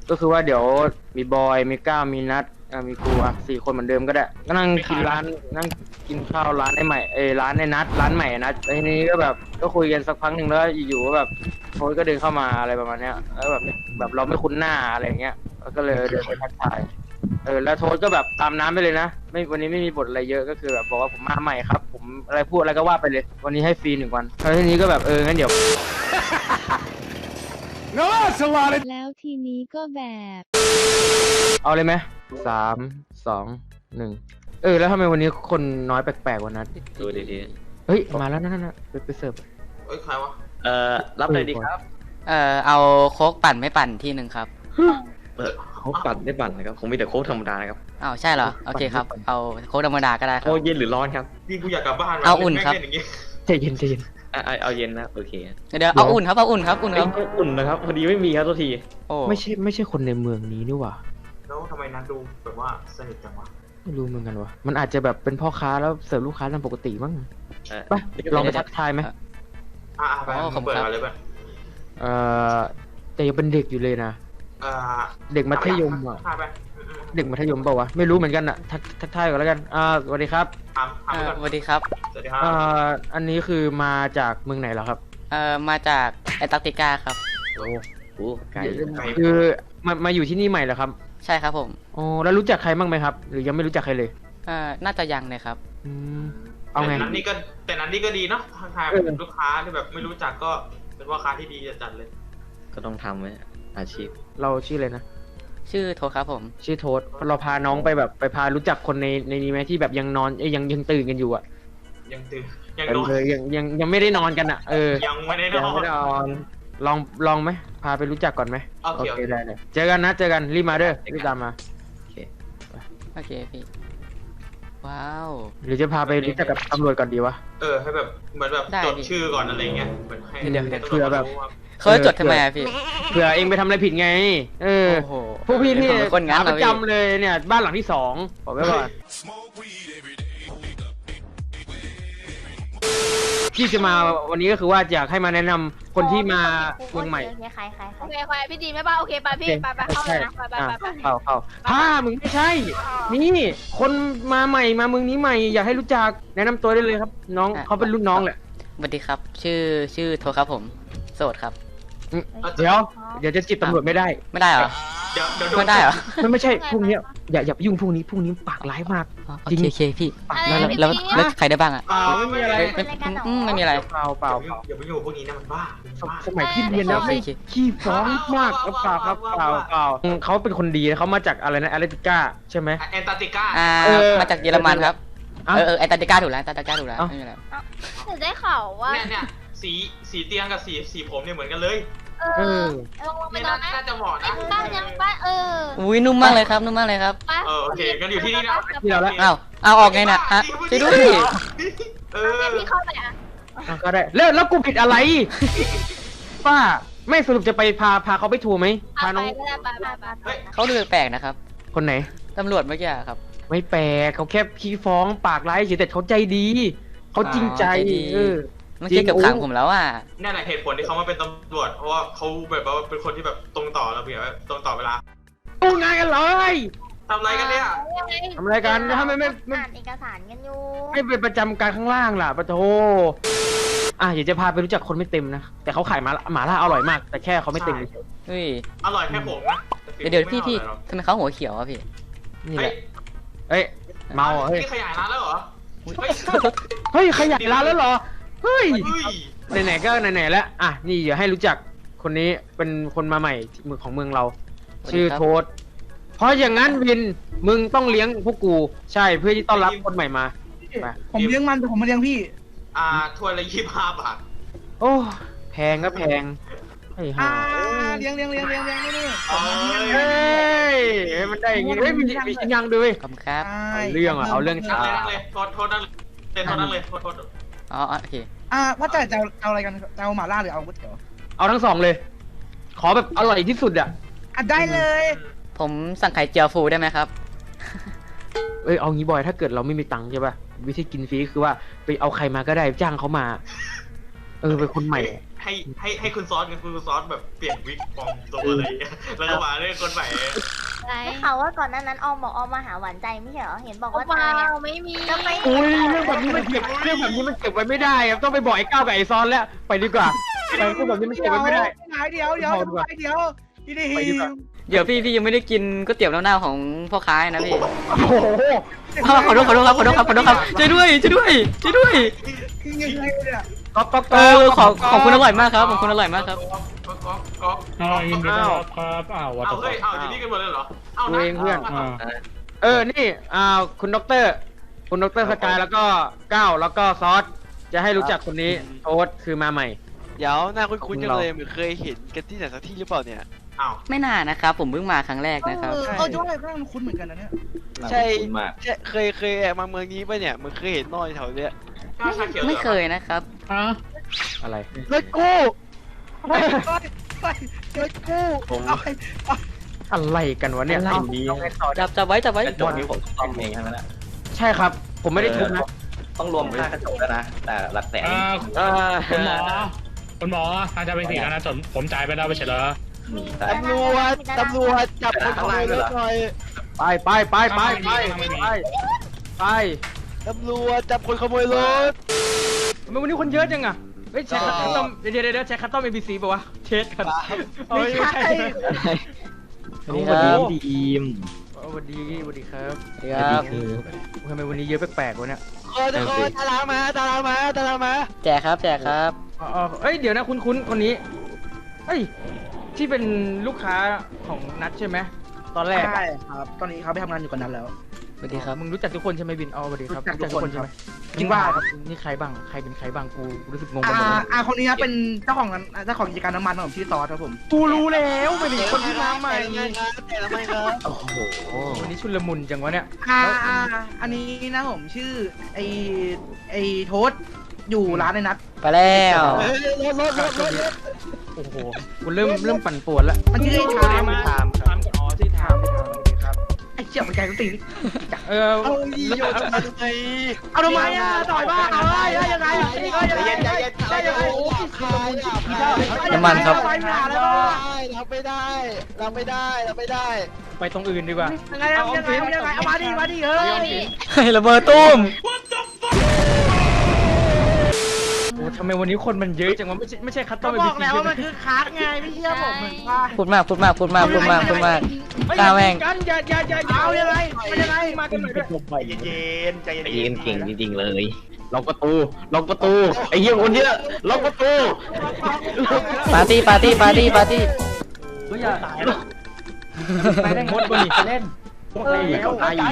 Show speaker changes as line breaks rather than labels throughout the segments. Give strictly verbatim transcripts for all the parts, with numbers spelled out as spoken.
ก็คือว่าเดี๋ยวมีบอยมีก้าวมีนัดมีกูอ่ะสี่คนเหมือนเดิมก็ได้ก็นั่งกินร้านนั่งกินข้าวร้านไอ้ใหม่เอร้านไอ้นัดร้านใหม่นัดทีนี้ก็แบบก็คุยกันสักพักหนึ่งแล้วอยู่ๆก็แบบโค้ชก็เดินเข้ามาอะไรประมาณเนี้ยแล้วแบบแบบเราไม่คุ้นหน้าอะไรเงี้ยก็เลยเดินไปทักทายเออแล้วโทษก็แบบตามน้ำไปเลยนะไม่วันนี้ไม่มีบทอะไรเยอะก็คือแบบบอกว่าผมมาใหม่ครับผมอะไรพูดอะไรก็ว่าไปเลยวันนี้ให้ฟรีหนึ่งวันแล้วทีนี้ก็แบบเอองั้นเดี๋ยว
แล้วทีนี้ก็แบบ
เอาเลยไหมสามสองหนึ่งเออแล้วทำไมวันนี้คนน้อยแปลกๆวันนั้น
ดูดี
เฮ้ยมาแล้วนั่นๆไปไปเสิร์ฟ
เอ้ยใครวะ
ๆเอ่อรับเลยดีครับ
เอ่อเอาโค้กปั่นไม่ปั่นที่หนึ่งครับ
เออโค้กปั่นได้ปั่นนะครับผมมีแต่โค้กธรรมดานะครับ
อ้าวใช่เหรอโอเคครับเอาโค้กธรรมดาก็ได้ครั
โค้
บ
กเย็นหรือร้อนครับ
พี่กูอยากกลับบ้านว่ะ
เอาอุ่นครับ
ล่นอย่างงี้
ใจเย็นใจเย็น
อ่ะเอาเอาเย็นนะโอเค
เดี๋ยวเอาอุ่นครับเอาอุ่นครับอุ่น
เอ้
ค
ย
รับ
อุ่นนะครับพอดีไม่มีครับตัวที
โอ้
ไม่ใช่ไม่ใช่คนในเมืองนี้นี่หว่า
แล้วทำไมนัดดูแบบว่าสนิทจังวะ
ไม่รู้เหมือนกันวะมันอาจจะแบบเป็นพ่อค้าแล้วเสิร์ฟลูกค้าตามปกติมั้ง
เออ
ไปลองไปทักทายไหม
อ่าไปมึงเปิดมาเลยเพื่อน
เอ่อแต่ยังเป็นเด็กอยู่เลยนะ
อ่า
เด็กมัธยมอ่ะ
ถ่ายไปอืม
เด็กมัธยมเปล่าวะไม่รู้เหมือนกันอ่ะทักทักทายก่อนแล้วกันอ่าสวัสดีครับ
ๆถามถาม
เอ่อ
ก่อน
สวัสดีครับ
สวัสดีครับ
อ่าอันนี้คือมาจากเมืองไหนเหรอครับ
เอ่อมาจากแอนตาร์กติกาครับ
โอ้โหไกล
คือมามาอยู่ที่นี่ใหม่เหรอครับ
ใช่ครับผม
อ๋อแล้วรู้จักใครบ้างไหมครับ หรือยังไม่รู้จักใครเลย
เอ่อน่าจะยังเลยครับ
อืมเอาไง
แต่นั้นนี่ก็แต่นั้นนี่ก็ดีเนาะทางทาย
เออ
ลูกค้าที่แบบไม่รู้จักก็เป็นว่าค้าที่ดีจัดเลย
ก็ต้องทำไว้อาชีพ
เราชื่ออะไรนะ
ชื่อโทครับผม
ชื่อโทษเราพาน้องไปแบบไปพารู้จักคนในในนี้ไหมที่แบบยังนอนเอ้ยยังยังตื่นกันอยู่อ่ะ
ยังตื่นยัง
เอ
นอน
อยังยังยังไม่ได้นอนกันอ่ะเออ
ยังไม่ได้น
ยัง
อน
ไม่ได้นอนลองลองไหมพาไปรู้จักก่อนไหม
โอเคโอเค
ได้เลยเจอกันนะเจอกันรีบมาเด้อรีบตามมา
โอเค
โอเคพี่ว้าว
หรือจะพาไปรู้จักกับตำรวจก่อนดีวะ
เออให้แบบเหมือนแบบ
ได้
จด
ดิ
ชื่อก่อนอะไรเงี้ยเหมือนให้
เดี๋ยว
ให้
เผื่อแบบ
ตำรวจรู้ว่า
เขาจะจดทำไมอะพี่
เผื่อเองไปทำอะไรผิดไง เออ
โอ้โห
พวกพี่ที่
ผมเป็นคนงั้น
ขา
เห
ป
รอ
ระ
พี่
จำเลยเนี่ยบ้านหลังที่สองบอกไว้ก่อนที่จะมาวันนี้ก็คือว่าอยากให้มาแนะนำคนที่มาเมืองใหม่
โอเคใครใครใคร
โอเคใครพี่ดีไหมป่ะโอเคไปพี่ไปไปเข้าเลยนะไปไป
อ่ะ
ไปไป
เข้าเข้าผ้ามึงไม่ใช่ นี่คนมาใหม่มาเมืองนี้ใหม่ อยากให้รู้จักแนะนำตัวได้เลยครับ น้องเขาเป็นรุ่นน้องแหละ
สวัสดีครับ ชื่อชื่อโทครับผมโสดครับ
อืมเดี๋ยวเดี๋ยวจะจีบตำรวจไม่ได้
ไม่ได้เหรอ
เดี๋ยวเดี๋ยวโดน
ไม่ได้เหรอ
มันไม่ใช่พวกเนี้ยอย่าอย่าไปยุ่งพวกนี้พวกนี้ปากร้ายมาก
อ๋อโอ
จริง
เคโอเคพี่
ปาก
แล้ว
ร้าย
แล้วแล้วใครได้บ้างอะ
อ่าไม่มีอะไร
ไม่ไม่อืมไม่มีอะไร
เปล่าเปล่า
อย่าไปยุ่งอย่าไปยุ่งกับพวกนี้นะมันบ้ามันบ้า
สมัยที่เรียนแล้วไม่
โอเค
ขี้ฟ้องมากครับเปล่าครับเปล่าเปล่าเขาเป็นคนดีนะเขามาจากอะไรนะแอตเลติก้าใช่ไหม
แอนตาร์กติกา
อ่า
เออ
มาจากเยอรมันครับ
อ่ะ
เออเออแอนตาร์กติกาถูกแล้วแอนตาร์กติกาถูกแล้ว
เอ้า
ไม่มีแล้ว
หนูได้ข่าวว่า
เนี่ยเนี่ยสีสีเตียงกับสีสีผมเนี่ยเหมือนกันเลย
เอ
เอ
อ
อ
ลงไป
เนี่ย
นอนไหม
น่าจะเหมาะ
ไอ้
นะ
บ้านยังบ้านเออ
อุ้ยนุ่มมากเลยครับนุ่มมากเลยครับ
ป้า
เออโอเคงั้นอยู่ที่นี่นะ
ที่เราละ
อ้าวเอาออกไงน่ะฮะช่วยด้วย
เอ
เอ
อ
อพี่เข้าไปอ่ะ
อ่ะก็ได้แล้วแล้วกูผิดอะไร ป้าไม่สรุปจะไปพาพาเขาไปทัวร์ไหม
เอา
พา
ไป
น้อง
ก็ได้ไปไปไปไป
เขาดูแปลกๆนะครับ
คนไหน
ตำรวจเมื่อกี้อะครับ
ไม่แปลกเขาแค่ขี้ฟ้องปากร้ายเฉยแต่เขาใจดีเขาจริงใจ
อ๋อใจดี
เออ
เมื่อกี้เกือบขังผมแล้วอ่ะ
นั่นแหละเหตุผลที่เขามาเป็นตำรวจ เพราะว่าเขาแบบว่าเป็นคนที่แบบตรงต่อระเบียบตรงต่อเวลา
ดูงานกันเลย
ทำอะไรกันเนี่ย
ยังไง
ทำอะไรกันถ้าไม่ไม่ไม่
อ่านเอกสารกันอยู่
ไม่ไปประจำการข้างล่างล่ะปะโทอ่ะเดี๋ยวจะพาไปรู้จักคนไม่เต็มนะ แต่เขาขายหมาหมาล่าอร่อยมาก แต่แค่เขาไม่เต็มเฉย
เฮ้ย
อร่อยแค่ผมนะแต่
เดี๋ยวเดี๋ยว
ฝี
พี่
มือ
พี่
ไม่อร่อยหรอก
ทำไมเขาหัวเขียวอะพี่
นี่แหละ เอ้ย เมาเหรอเฮ้ย
นี่ขยายร้านแล้วเหรอ
อุ๊ย
เฮ้ย
เฮ้ยขยายร้านแล้วเหรอ เฮ้ย
เฮ้ย
ไหนๆก็ไหนๆแล้ว อ่ะ นี่เดี๋ยวให้รู้จักคนนี้เป็นคนมาใหม่ที่เมืองของเมืองเรา ชื่อโทษ เพราะอย่างนั้นวิน มึงต้องเลี้ยงพวกกู ใช่ เพื่อที่ต้อนรับคนใหม่มาไป
ผมเลี้ยงมันแต่ผมมาเลี้ยงพี่
อ่าถ้วยละยี่สิบห้าบาท
โอ้ แพงก็แพงไอ้ห่า
อ่าเลี้ยงเลี้ยงเลี้ยงเลี้ยงเลี้ยงนี่นี่
เอ้
เฮ้
ย
ยให้มันได้อย่างงี้เฮ้ยมีมีชิ้นยังด้วย
ขอบคุณครับ
เอาเรื่องอะเอาเรื่อง
นั่งเลยนั่งเลยโทษโทษนั่งเลยโทษนั่งเลยโทษโทษ
อ๋ออ๋อโอเค
อ่าว่าแต่จะเอาเอาอะไรกันจะเอาหม่าล่าหรือเอาก๋วยเตี๋ยว
เอาทั้งสองเลย ขอแบบอร่อยที่สุดอ่ะ
อ่ะได้เลย
ผมสั่งไข่เจียวฟูได้ไหมครับ
เอ้ยเอางี้บอยถ้าเกิดเราไม่มีตังค์ใช่ป่ะวิธีกินฟรีคือว่าไปเอาใครมาก็ได้จ้างเขามา เออเป็นคนใหม่แพ
ให้ให้ให้คุณซอสกับคุณซอสแบบเปลี่ยนวิกปลอมตัวอะไรอย่างเงี้ยแล้วก็มาเล่นคนใหม่
อะไร
ได้ข่าวว่าก่อนหน้านั้นออมบอกออมมาหาหวานใจไม่ใช่เหรอ เห็นบอก
โอ้
ว่า
เปล่า
ตายอะ
ไม่มี
ทำไม
อุ้ยเรื่องแบบนี้มันเก็บเรื่องแบบนี้มันเก็บไว้ไม่ได้ครับต้องไปบอกไอ้ก้าวกับไอ้ซอนแล้วไปดีกว่าเรื่องแบบนี้มันเก็บไว้ไม่ได้
เดี๋ยวเดี๋ยวเดี๋ยวเดี๋ยวพี่ดี
ไปดีกว่า
เดี๋ยวพี่พี่ยังไม่ได้กินก๋วยเตี๋ยวเน่าๆของพ่อค้านะพี่
โอ้โห
ขอโทษขอโทษครับขอโทษครับขอโทษครับช่วยด้วยช่วยด้วยช่วยด้วย
คือยังไงเนี่ย
ก๊อกก๊อก
เออขอขอบคุณอร่อยมากครับขอบคุณอร่อยมากครับ
ก๊อกก๊อกก๊อก
อ๋อยินดีต้อนรับครับอ้าววัต
เอา
ถุ
เฮ้ยเอาอยู่นี่กันหมดเลยเหรอเอา
ตัวเองเพื่อน
อ่า
เออนี่อ่าคุณด็อกเตอร์คุณด็อกเตอร์สกายแล้วก็ก้าวแล้วก็ซอสจะให้รู้จักคนนี้โอ๊ตคือมาใหม่
เดี๋ยวหน้าคุ้นๆจังเลยเหมือนเคยเห็นกันที่ไหนสักที่หรือเปล่าเนี่ย
เอา
ไม่นานนะครับผมเพิ่งมาครั้งแรกนะครับ
เออเออด้วยก็มันคุ้นเหมือนกันนะเนี่ย
ใช่ใช่เคยเคยแอบมาเมืองนี้ป่ะเนี่ยเหมือนเคยเห็นนอยแถวเนี้ย
ข้าวชาเขียว
ไม่เคยนะครับ
อ่ะ
อะไร
เฮ้ยกูเฮ้ยเฮ้ยเฮ้ยเฮ้ยกูเอาไป
อะไรกันวะเนี่ย
อะไร
เอา
ดี
เอาไงต่อ
จับจับไว้จับไว้
กระจกนี้ผมซ่อมเองใช่ไหมล่ะ
ใช่ครับ ผมไม่ได้ทุบนะ
ต้องรวมค่ากระจกแล้วนะ แต่หลักแสน
อ่า
เออ
คุณหมอคุณหมออาจจะเป็นสีแล้วนะจนผมจ่ายไปแล้วไม่ใช่เหรอ
แต่
ตำรวจตำรวจจับคนขโมยรถหน่อย
ไปไปไปไปไปไปไป
ตำรวจจับคนขโมยรถ
ทำไมวันนี้คนเยอะจังอะเฮ้ยเช็คคัสตอมเดี๋ยวเดี๋ยวเดี๋ยวเช็คคัสตอมเอบีซีป่าวะเช็คกันเฮ้ยไม่ใช่
สวัสดีครับ
ดีม
สวัสดีสวัสดีครับ
สวัสดีครับ
ทำไมวันนี้เยอะแปลกๆวะเนี่ย
เออทุกคนตารางมาตารางมาตารางมา
แจกครับแจกครับ
อ๋อเอ้ยเดี๋ยวนะคุณคุณคนนี้เอ้ยที่เป็นลูกค้าของนัทใช่ไหมตอนแรก
ใช่ครับ ตอนนี้เขาไปทำงานอยู่กับนั้นแล้ว
สวัสดีครับ
มึงรู้จักทุกคนใช่ไหมบินอ๋อสวัสดีครับ
รู้จักทุกคน
ใช่ไหม
จริงว่าครับ
นี่ใครบ้างใครเป็นใครบ้างกูรู้สึกงงไป
อ่า
หมดเลย
อ่าคนนี้นะเป็นเจ้าของร้านเจ้าของกิจการน้ำมันของผมชื่อซอสครับผม
กูรู้แล้วไม่เป็นคนที่มาใหม่
แต่งงานครับแต่ละไม่ครับ
โอ้โห
วันนี้ชุลมุนจังวะเนี่ย
อ่าอ่าอันนี้นะผมชื่อไอไอโทษอยู่ร้านในนัด
ไปแล้ว
เฮ้ยรถรถรถรถรถ
โอ้โหกูเริ่มเริ่มปั่นป่วนแล้ว
มันชื่อไอชาม
ไทม์ไทม์อ๋อชื่อไทม์ครับ
ไอเชี่ยมันใจกูตี
เออ
เอาอีโยนทำไม
เอาทำไมอ่ะต่อยบ้าเอาเฮ้ยยังไงอ่ะเฮ้ยยังไง
ใจเย็นใจเย็นใจเย็นโอ้ยขายอ่ะ
น้ำมันครับ
รับไม่ได้รับไม่ได้รับไม่ได้
ไปตรงอื่นดีกว่า
ยังไงยังไงยังไงเอามาดิมาดิเฮ้ย
เฮ้ยระเบิดตุ้ม
โอ้ทำไมวันนี้คนมันเยอะจังวะไม่ใช่ไม่ใช่คัตต
ก็
อม
บอกแล้วว่ามันคือคัสไงไม่เชื่อผมเหมือนว่า
พูดมากพูดมากพูดมากพูดมากพูดมาก กล้าแม่ง
กันอย่าอย่าอย่า
เอายังไงมันยังไง
มากันหน่อยด้วย
เย็นใจเย็น
ไอ้เย็นเก่งจริงๆเลยล็อกประตูล็อกประตูไอ้เหี้ยคนเนี้ยล็อกประตู
ปาร์ตี้ปาร์ตี้ปาร์ตี้ปาร์ตี้
ก็อย่าตายนะไปได้หมดบนนี่เล่นบอกแล้วตายอยู่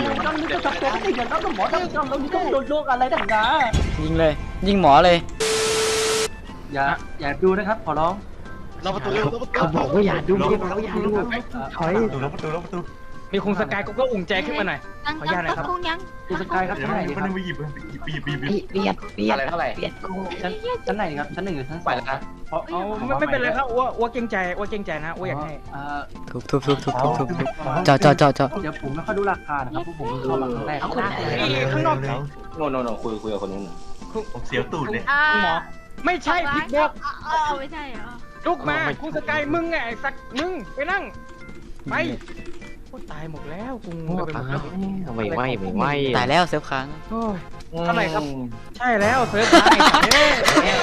ยิงเลย ยิงหมอเลย
อย่าอย่าดูนะครับขอร้อง
เราประตู
เขาบอกว่าอย่าดูไม่ได้บอกว่าอย่าดูถอยมีคงสกายก็ก็อุ่นใจขึ้นมาหน่อย
ยัง
ขออนุญาตนะครับ
คงยัง
คงสกายครับเท่าไหร่ครับ
เบียดเบียดอะไรเท่าไหร่
ชั้นชั้นไหนครับชั้นหนึ่งหรือชั้น
ไปแล้วนะ
เอาไม่ไม่เป็นไรครับอ้วอ้วเกรงใจอ้วเกรงใจนะอ้วอยากให้
ทุบทุบทุบทุบทุบทุบทุบเจาะเจาะเจาะเจาะ
เดี๋ยวผมไม่ค่อยดูราคานะครับเพราะผมเข้ามาครั้งแรก
เอาคนไหน
ข้างนอก
โน่นโน่นคุยคุยกับคนนู้น
ผมเสียวตูดเลย
อ่า
หมอไม่ใช่ผิดบอก
เอาเอาไม่ใช่เหรอ
ลุกมาคุณสกายมึงไงไอ้สักมึงไปนั่งไปโอ้ตายหมดแล้วกูงงไปหมดแล้ว
ไม่ไหวไม่ไหว
ตายแล้วเซฟค้าง
โอ้ยเท่าไหร่ครับใช่แล้วเซิร์ฟตายเฮ้ย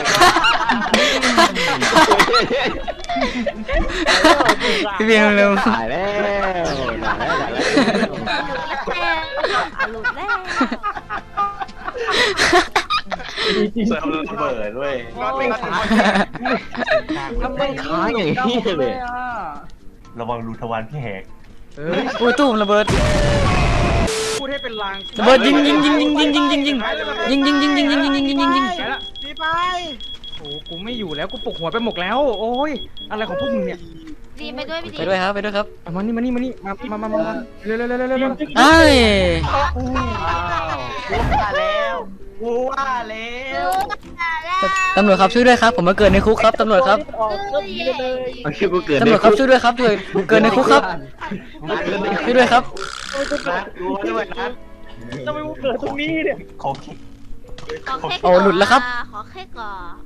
พี่เบียร์เร็ว
ตายแล้วตายแล้วตายแล้ว
หลุดแล้ว
เซิร์ฟระเบิดด้วย
น็อตเป็นขา
ทำไมค้างอย่างนี้เลย
ระวังรูทวารพี่แหก
เอ้ย
โอ้ยตุ้มระเบิด
พูดให้เป็นลาง
ระเบิดยิงยิงยิงยิงยิงยิงยิงยิงยิงยิงยิงยิงยิงยิงยิงยิงยิงยิง
ไปละ
ดีไป
โอ้กูไม่อยู่แล้วกูปลุกหัวไปหมกแล้ว โอ้ยอะไรของพวกมึงเนี่ย
ดีไปด้วยพี่ดี
ไปด้วยครับไปด้วยครับ
เอามานี่มานี่มานี่มามามามาเร็วเร็วเร็วเร็วเร็ว
ไอ้ย
ว่าแล้วว่าแล้ว
ตำรวจครับช่วยด้วยครับผมมาเกิดในคุกครับตำรวจครับ
เอาชื่อกูเกิด
ตำรวจครับช่วยด้วยครับช่วยผมเกิดในคุกครับช่วยด้วยครับ
รู้ด้วยนะ
ทำไมกูเกิดตรงนี้เนี่ย
ขอคิด
ขอเค้ก
โอ้หลุดแล้วครับ
ขอเค้กก่อน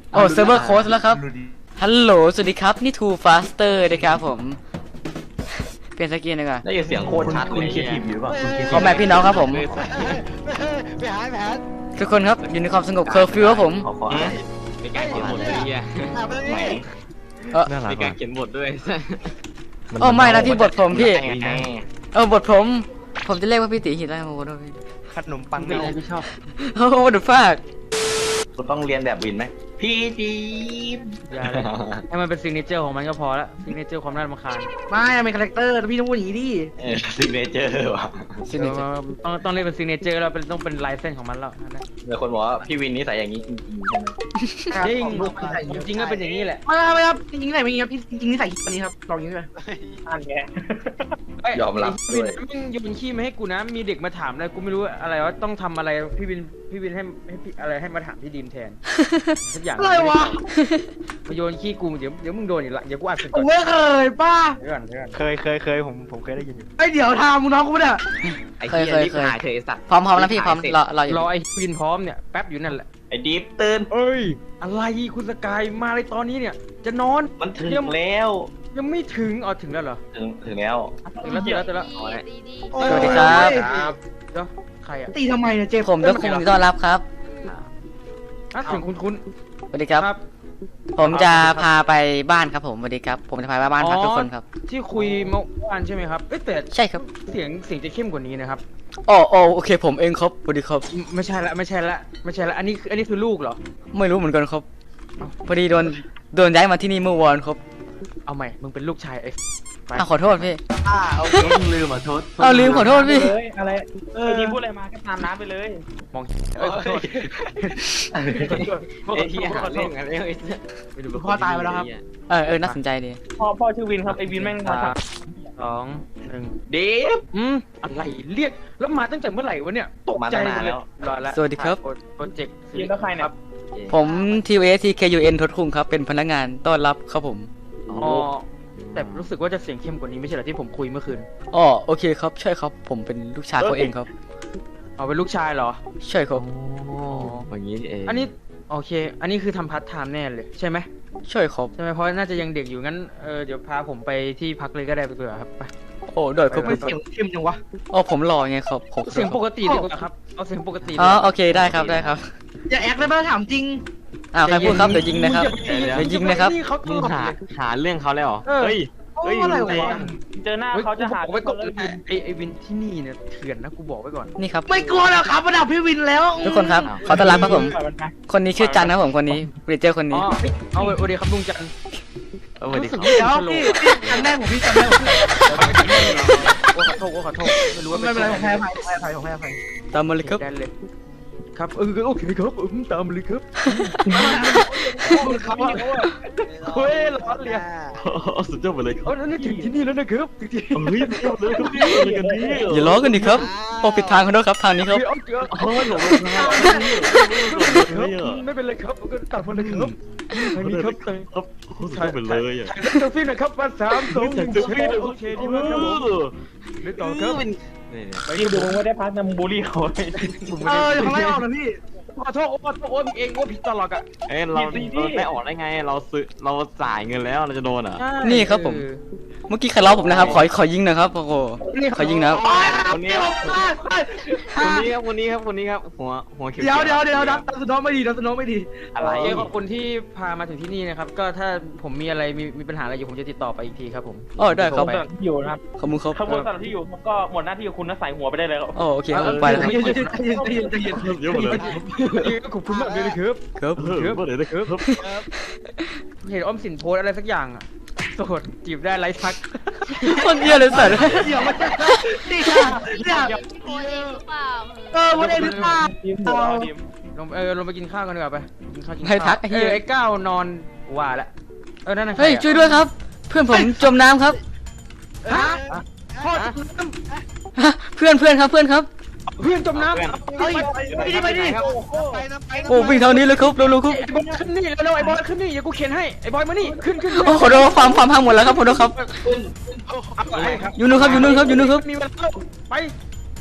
โอ้เซิร์ฟเวอร์โค้ดแล้วครับฮัลโหลสวัสดีครับนี่ Too Faster นะครับผมเปลี่ยนสกินดีกว่า
ได้ยินเสียงโคตรชัดเลยคิดอยู่ป่ะ
ขอแม่พี่น้องครับผม
ไปหาแผน
ทุกคนครับอยู่ในความสงบเคอร์ฟิวครับผม
ขอขออ่านมีการเขียนบทด้วยเนี่ย
หาไปเลย
เออ
มีการเขียนบทด้วย
โอ้ไม่นะพี่บทผมพี่
แน่
เออบทผม ผมจะเรียกว่าพี่ตีหินได้ไหมโอ้โห
ขนมปัง
เป็นอะไรพี่ชอบ
โอ้โหดูฟาก
คุณต้องเรียนแบบวินไหมพี่จีบ
อย่าเลยให้มันเป็นซิงเกิลของมันก็พอละซิงเกิลความน่ารำคาญ
ไม่เป็นคาแรคเตอร์พี่ต้องพูดอย่างนี้ดิ
เออซิกเนเจอร์ว่ะ
ซิกเนเจอร์
ต้องต้องเรียกเป็นซิงเกิลแล้วเป็นต้องเป็นลายเส้นของมันแล้วนะ
มีคนบอกว่าพี่วินนิสัยอย่างนี้จริงๆใช่ไหม
จริงจริงก็เป็นอย่างนี้แหละ
ไม่ครับไม่ครับจริงๆใส่ไม่จริงครับจริงๆนี่ใส่ตัวนี้ครับลองอย่างนี้เลย
อ่านแก
ยอมรับ
พี่
ด้
วิ
วน ย
มึงโยนขี้มาให้กูนะมีเด็กมาถามอะไรกูไม่รู้อะไรว่าต้องทำอะไรพี่วินพี่วินให้ให้พี่อะไรให้มาถามพี่ดีมแทนทุกอย่าง
อะไรวะ
มาโยนขี้กูเดี๋ยวเดี๋ยวมึงโดนอีกละเดี๋ยวกูอัดเสร็จ
ผ
ก่อ
ม
น
ไม่เคยป้า
เดี๋ยวก่อนเดี๋ยวก่อน
เคยเคยเคยผมผมเคยได้ยินอยู่
ไอเดี๋ยวทำมึงน้องกูไม่ได้
ไอ้เหี้ยรีบหายเถอะไอ้สัตว์
พร้อมพร้อมแล้วพี่พร้อมรอรออยู่
รอไอ้วินพร้อมเนี่ยแป๊บอยู่นั่นแหละ
ไอ้ดิฟตื่น
เอ้ยอะไรคุณสกายมาเลยตอนนี้เนี่ย จะนอน
มันถึงแล้ว
ยังไม่ถึงอ๋อถึงแล้วเหรอ
ถึงถึงแล้ว
ถึงแล้วถึงแล้วถึงแล้ว
ดีดี
สวัสดีครับ
ครับ
เดี๋ยวใครอ่ะ
ตีทำไมเนี่ยเจ็บ
ผมด้วยคุณต้อนรับครับ
อ่ะถึงคุณคุณ
สวัสดีครับ ผมจะพาไปบ้านครับผมสวัสดีครับ ผมจะพาไปบ้านพักทุกคนครับ
ที่คุยเมื่อวานใช่ไหมครับเอ้ยแต่
ใช่ครับ
เสียงเสียงจะเข้มกว่านี้นะครับ
อ๋ออ๋อโอเคผมเองครับสวัสดีครับ
ไม่ไม่ใช่ละไม่ใช่ละไม่ใช่ละอันนี้คืออันนี้คือลูกเหรอ
ไม่รู้เหมือนกันครับพอดีโดนโดนย้ายมาที่นี่เมื่อวานครับ
เอาใหม่มึงเป็นลูกชายไอ้ไป
อ้าวขอโทษพี่
อ่าโอเค
ลืมอ่ะโทษ
เอาลืมขอโทษพี่
เลยอะไรเออทีพูดอะไรมาก็ตามน้ำไปเลย
มองเอ้ยขอโทษ
ไอ้ที่หาเรื่องกันแล้วไอ้
ไม่ดู
พ่อตายไปแล้วครับ
เออเออน่าสนใจดี
พ่อพ่อชื่อวินครับไอวินแม่งมา
สาม
ทำ
สองหนึ่ง
ดิฟ
อืมอะไรเรียกแล้วมาตั้งแต่เมื่อไหร่วะเนี่ยตกใจ
มาตั้งนานแล้ว
รอแล้ว
สวัสดีครับ
โปรเจกต์
ยินแล้วใครเนี่ย
ผม ที เอส ที เค ยู เอ็น ทศคุงครับเป็นพนักงานต้อนรับครับผม
อ๋อแต่รู้สึกว่าจะเสียงเข้มกว่านี้ไม่ใช่เหรอที่ผมคุยเมื่อคืน
อ๋อโอเคครับใช่ครับ ผมเป็นลูกชายเขาเองครับ
เอาเป็นลูกชายเหรอ
ใช่ครับ
อย่างนี้เอง
อันนี้โอเค อันนี้คือทำพาร์ทไทม์แน่เลยใช่ไหม
ใช่ครับ
ใช่ไหมเพราะน่าจะยังเด็กอยู่งั้นเออเดี๋ยวพาผมไปที่พักเลยก็ได้ไปเผื่อครับไป
โอ้ได้ครับ
ไป
เสียงเข้มจังวะ
อ๋อผมหล่อไงครับผม
เสียงปกติดีกว่าครับเอาเสียงปกติ
อ๋อโอเคได้ครับได้ครับ
อย่าแอคได้ป่ะถามจริง
อ้าวใครพูดครับเดี๋ยวยิงนะครับ
มึ
เดี๋ยวยิงนะครับ
เขา
มึงหาหาเรื่องเขาแล้วเหรอ
เออ
เฮ้ย
โอ้ยอะไรวะ
เจอหน้า
เฮ้ย
เขาจะหา
กูบอกไว้ก่อน
เรื่อง
ไอ้ไอ้วินที่นี่เนี่ยเถื่อนนะกูบอกไว้ก่อน
นี่ครับ
ไม่กลัวหรอกครับระดับพี่วินแล้ว
ทุกคนครับขอต้อนรับครับผม
ปล่อยนไป
คนนี้ชื่อจันนะครับผมคนนี้เรเจอร์คน
อ๋
นี้
อเอาโอเดีครับลุงจันทร์
เออสวัสดีครับ
เดี๋ยวพี่พี่จำได้ผมพี่จำได้ผมพี่
โอ้ขอโทษโอ้ขอโทษไม่รู้ว่า
ไม่เป็นไรผมให้อภัยผมให้อภัยผมให้อภัย
ตามมาเลยครับ
ได้เลยครับเออโอเคครับอืมตามมาเลยครับ
เขาอะ
เฮ้ยร้อนเลย
สุดยอดไปเลยครับ
เออนี่ถึงที่นี่แล้วนะครับถึงที่
เฮ้ยสุดยอดเลยครับพี่อะไรกันนี่
อย่าล้อกันดิครับโอ้ผิดทางเขาด้วยครับทางนี้ครับ
เอาเกลือ
เฮ้ยหลงทางไม่เป็นไร
ครับไม่เป็นไรครับก็ตัดมาเลยครับทางนี้ครับทาง
ครับสุดยอดไปเลยอ่ะ
ถ่ายเซลฟี่หน่อยครับมาสามสองหนึ่งโอเคดีมากครับผมเล่นต่อครับ
ที่ดูไม่ได้พักนำบูลลี่เขา
เอออย่าทำให้ออกนะพี่
ขอโทษโอ้ขอโทษโอ้เองโอ้ผิดตลอดอ่ะ
เอ้ยเราไม่ออกได้ไงเราซื้อเราจ่ายเงินแล้วเราจะโดนอ่ะ
นี่ครับผม เมื่อกี้ใครล้อผมนะครับ ขอขอยิงหนะครับโอ้โหขอยิงนะครับ
คนนี้คนนี้ครับคนนี้ครับคนนี้ครับหัวหัวเขียว
เดี๋ยวเดี๋ยวเดี๋ยวดับดับสนองไม่ดีดับสนองไม่ดี
อะไร
เอ้ขอบคุณที่พามาถึงที่นี่นะครับก็ถ้าผมมีอะไรมีมีปัญหาอะไรอยู่ผมจะติดต่อไปอีกทีครับผม
อ๋อได้ครับ
สำหรับที่อยู่นะครับ
ขอบคุณครับ
ขบวนสำหรับที่อยู่ก็หมดหน้าที่ของคุณนะใส่หัวไปได้เลยครับ
อ๋อโอเคครับผมไปแล้วครับ
ใจเย็นใจเย็นใจเย็นใจเย็น
เยอะหมดเลย
ขอบคุณมากเลยนะครับ
ครับ
เออเมื่อไหร่นะครับ
เห็นอ้อมสินโพสอะไรสักอย่างอ่ะโสดจีบได้ไร้ทัก
คนเยี่ยเลยสัตว์
เดี๋ยวมันจะนี่ค่ะเนี่ย
โคเองหรือเปล่า
เออวันเองหรือเปล่า
ทีมหัวทีม
ลงเออลงไปกินข้าวกันดีกว่าไปกินข้าวกิน
ให้
ข้าว
ทักไอ้
เอ
เหี้ย
อไอ้ก้าวนอนว่าละเออนั่นน่ะ
เฮ้ย
ใครอะ
ช่วยด้วยครับ เพื่อนผมจมน้ำครับ
ฮะพ่อ
ฮะเพื่อนเพื่อนครับเพื่อนครับ
เพื่อนจมน้ำ
เฮ้ยไปดิไปดิ
ไปนะไปนะ
โอ้วิ่งทางนี้เลยครับเร็วๆครับ
ไอ้บอยขึ้นนี่เร็วๆไอ้บอยขึ้นนี่อย่ากูเขียนให้ไอ้บอยมานี่ขึ้นขึ้น
โอ้ขอโทษความความพังหมดแล้วครับขอโทษครับ
เอาไปครับ
อยู่นู่นครับอยู่นู่นครับอยู่นู่นครับ
มีเวลาไป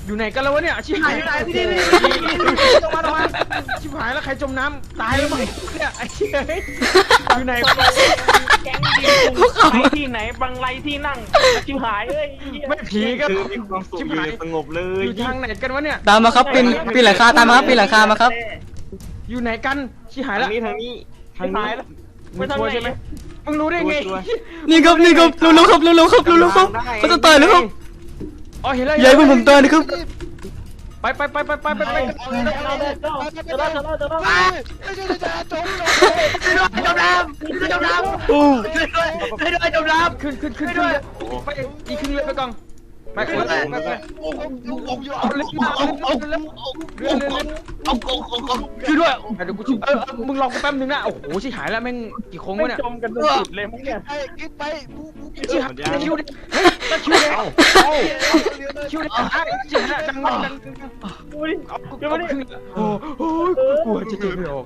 อยู่ไหนกันแล้ววะเนี่ยชิบหาย
อยู่ไหนพี่ดิพี่
ลงมาลงมาชิบหายแล้วใครจมน้ำตายแล้วมั้งเนี่ยไอ้เชี่ยอยู่ไหน
แก๊งดีไปที่ไหนบางไรที่นั่งชิวหายเอ้ย
ไม่ผีก็
มีความสุขอยู่สงบเล
อย ยู่ทางไหนกันวะเนี่ย
ตามมาครับปีนปีนหลังคาตามมาครับปีนหลังคามาครับ
อยู่ไหนกันชิบหาย
ทา
แล้
ง
ว
นี้ทางนี้ทางนี้
มึงชัวร์ใช่ไหมมึงรู้ได้ไง
นี่ครับนี่ครับรู้ๆครับรู้ๆครับรู้ๆครับเขาจะต่อยแล้วครับ
อ๋อเห็นแล้ว
ใหญ่เพื่อนผมต่อยนะครับ
ไปไปไปไปไปไปไป
จะได้จะได้จะได้
จมน้ำจมน้ำ
โอ้
ให้ด้วยจมน้
ขึ้นขึ้นขึ้นขึ้นไปอีกขึ้นเลยไปก่อนไปไปไปไปไปเอาเรือมาเอาเอาเรือเรือเรือ
เอาโกงโกงโกง
ช่วยด้วยเดี๋ยวกูช่วยเออมึงลองกูแป๊บนึงนะโอ้โหชิบหายแล้วแม่งกี่โค้งวะเนี่ย
จมกันจนสุดเลยมั้งเนี่ย
กินไป
ชิบหายตะคิวดิตะคิวดิเอาคิวดิอ่ะชิบหายดังดังดัง
ดูดิ
เอาขึ้นโอ้โหกลัวจะเจ็บไม่ออก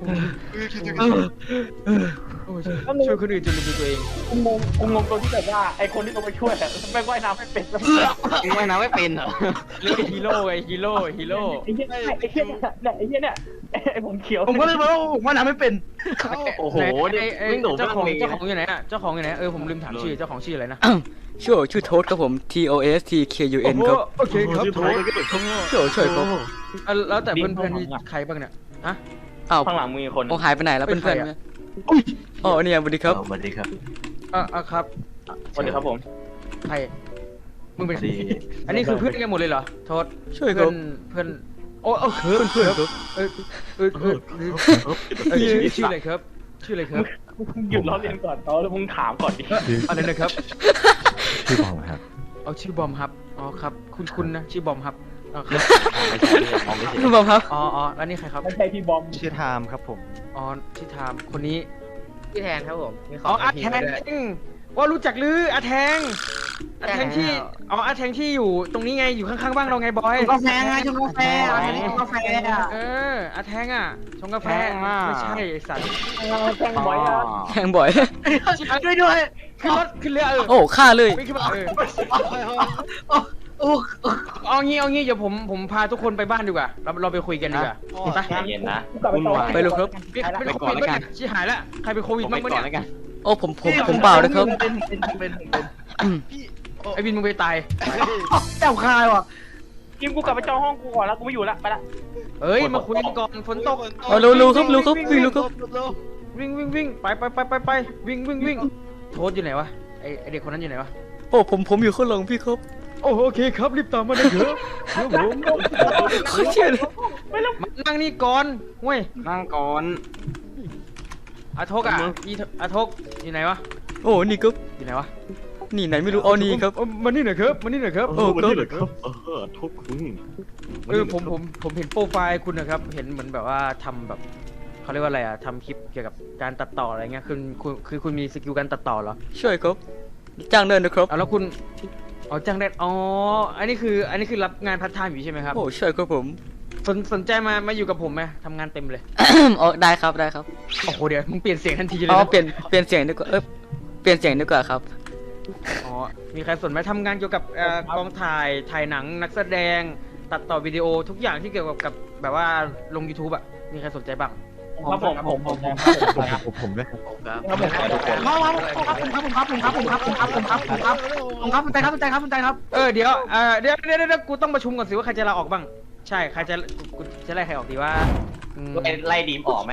ช่วยคนอื่นจนลืมตัวเอง
กูงงกูงงตัวที่แบบว่าไอคนที่ต้องไปช่วยอะแม่งว่ายน้ำไม่เป็นแล้ว
ว่ายน้ำไม่เป็นเหรอ
เรียกฮีโร่ไงฮีโร่ฮีโร่
ไอ้เหี้ยไอ้เหี้ยเนี่ยไอ้เหี้ยเนี่ยไอ้ผมเขียว
ำผมก็เลยบอกว่าผมว่าน้ำไม่เป็น
โอ้โหนี่วิ่งโดด
เจ้าของ
เลย
เจ้าของอยู่ไหนอ่ะเจ้าของอยู่ไหนเออผมลืมถามชื่อเจ้าของชื่ออะไรนะ
ชื่อชื่อโทษครับผม T O S T K U N ครับ
โอเคครับ
ชื่อโทษ
ช่วยช่วยครับ
แล้วแต่เพื่อนๆนี่ใครบ้างเนี่ยฮะ
อ้าว
ข้างหลังมีคน
โอ้หายไปไหนแล้ว
เป็
เพื่อน
น
ๆ
ใคร
ไหม
อะ
อ๋อเนี่ยสวัสดีครับ
สวัสดีครับ
อ่ะอ่ะครับ
สวัสดีครับผม
ใครมึงเป็นอันนี้คือเพื่อนกันหมดเลยเหรอโทษ
ช่วยค
เพื่
รั
อบ นเพื่อนโอ้เออเพื่อนเพื่อนครับเออเออเออเออชื่อชื่ออะไรครับชื่ออะไรครับ
หยุดล้อเลียนก่อนเขาแล้วมึงถามก่อนดิ
อะไรนะครับ
ชื่อบอมครับ
เอาชื่อบอมครับอ๋อครับคุณคุณนะชื่อบอมครับอ๋อครับ
ไม่ใช่ไม่ใช่มองไม่ใช่
คุณบอมครับ
อ๋ออ๋อแล้วนี่ใครครับ
ไม่ใช่พี่บอม
ชื่อไทม์ครับผม
อ๋อที่ทามคนนี้
พี่แทนครับผมมีข
อ๋
อ
อง อาแทงว่ารู้จักหรืออาแทงอาแทงที่อ๋ออาแทงที่อยู่ตรงนี้ไงอยู่ข้างๆบ้านเราไงบอย
กาแฟไงชงกาแฟอะไรกาแฟอ่ะ
เอออาแทงอ่ะชงกาแฟไม่ใช่ไอ้สัตว์
แทงบอยอ่ะ
แทงบ่อย
ด้วยด้วย
ขึ้นรถขึ้นเรือเออ
โอ้ฆ่าเลย
ไม่ขึ้นมาเออ
โอ้
เอางี้เอางี้เดี๋ยวผมผมพาทุกคนไปบ้านดีกว่าเราเราไปคุยกันดีกว่าไป
ใจเย็นนะ
วุ่นวาย
ไปเลยครับ
เป็นโควิดไหมเนี่ยชิหายแล้วใครเป็นโควิด
ไป
บ้างปะ
ก่อน
เนี่ย
แล้วกัน
โอ้ผมผมผมเปล่านะครับ
เป็นเป็นเป็นเป็น
ไอ้บินมึงไปตาย
แก้วคายว่ะ
กิมกูกลับไปจองห้องกูก่อนแล้วกูไม่อยู่ละไปละ
เฮ้ยมาคุยกันก่อนฝนตก
เอาเร็วๆครับเร็วครับวิ่งเร็วครับ
วิ่งวิ่งวิ่งไปไปไปไปไปวิ่งวิ่งวิ่งโทษอยู่ไหนวะไอไอเด็กคนนั้นอยู่ไหนวะ
โอ้ผมผมอยู่ข้างหลังพี่ครับ
โอ้โอเคครับรีบตามมาเลยเถอะเดี๋ยวผม
เขาเชื่อเลย
มานั่งนี่ก่อนเว้ย
นั่งก่อน
อาทกอ่ะอีอาทกอยู่ไหนวะ
โอ้นี่ครับ
อยู่ไหนวะ
นี่ไหนไม่รู้อ๋อนี่ครับ
มานี่หน่อยครับมานี่หน่อยครับ
โอ้ครับ
เออทุกคุณ
เออผมผมผมเห็นโปรไฟล์คุณนะครับเห็นเหมือนแบบว่าทำแบบเขาเรียกว่าอะไรอ่ะทำคลิปเกี่ยวกับการตัดต่ออะไรเงี้ยคือคุณคือคุณมีสกิลการตัดต่อเหรอ
ช่วยครับจ้างเดินนะครับ
เอาแล้วคุณอ๋อจ้างได้อ๋ออันนี้คืออันนี้คือรับงานพาร์ทไทม์อยู่ใช่ไหมครับ
โอ้ช่วยครับผม
สนสนใจมามาอยู่กับผมไหมทำงานเต็มเลย
อ๋อได้ครับได้ครับ
โอ้โหเดี๋ยวมึงเปลี่ยนเสียงทันทีเลย
อ๋อ
นะ
เปลี่ยนเปลี่ยนเสียงดีกว่าเออเปลี่ยนเสียงดีกว่าครับ
อ๋อมีใครสนไหมทำงานเกี่ยวกับเอ่อกองถ่ายถ่ายหนังนักแสดงตัดต่อวิดีโอทุกอย่างที่เกี่ยวกับกับแบบว่าลง YouTube อ่ะมีใครสนใจบ้าง
ครับผมผมผมผม
ผมผมผมด้วย
ครับผมทุกคน
ครับครับครับผมครับผมครับผมครับผมครับผมครับผมครับผมครับใจครับใจครับใจครับ
เออเดี๋ยวเออเดี๋ยวเดี๋ยวเดี๋ยวกูต้องประชุมก่อนสิว่าใครจะลาออกบ้างใช่ใครจะกูจะไล่ใครออกดีว่าอืม
ไล่ดีมออกไหม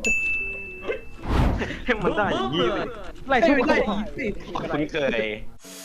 ให้มันได้อย่างนี้เลย
ไล่ทุกคน
คุ้นเคย